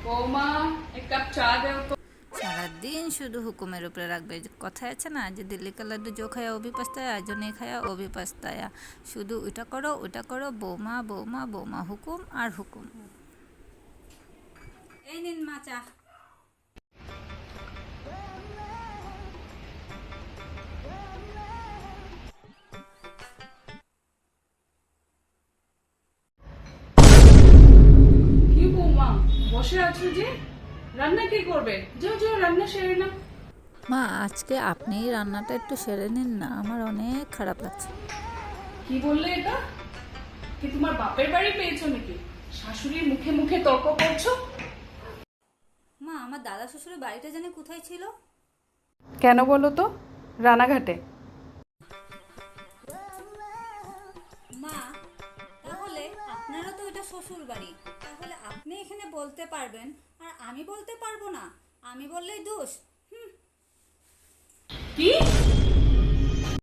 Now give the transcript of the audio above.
বৌমা এক কাপ চা দেও তো। সারাদিন শুধু হুকুমের উপরে রাখবে। কথায় আছে না যে দিল্লি কা লাড্ডু জো খায়া ও ভি পস্তায়া, জো নেই খায়া ও ভি পস্তায়া। শুধু ওটা করো ওটা করো, বৌমা বৌমা বৌমা, হুকুম আর হুকুম। এই নিন মা চা। কি বৌমা বসে আছো যে? রান্না কে করবে? যাও যাও রান্না সেরে না। মা আজকে আপনিই রান্নাটা একটু সেরে নিন না, আমার অনেক খারাপ লাগছে। কি বললে এটা? কি তোমার বাপের বাড়ি পেয়েছো নাকি? শাশুড়ির মুখে মুখে তর্ক করছো? মা আমার দাদা শ্বশুরের বাড়িটা জানে কোথায় ছিল? কেন বলো তো? রানাঘাটে। মা তাহলে আপনারও তো এটা শ্বশুর বাড়ি, তাহলে আপনি এখানে বলতে পারবেন আর আমি বলতে পারবো না? আমি বললেই দোষ? কি?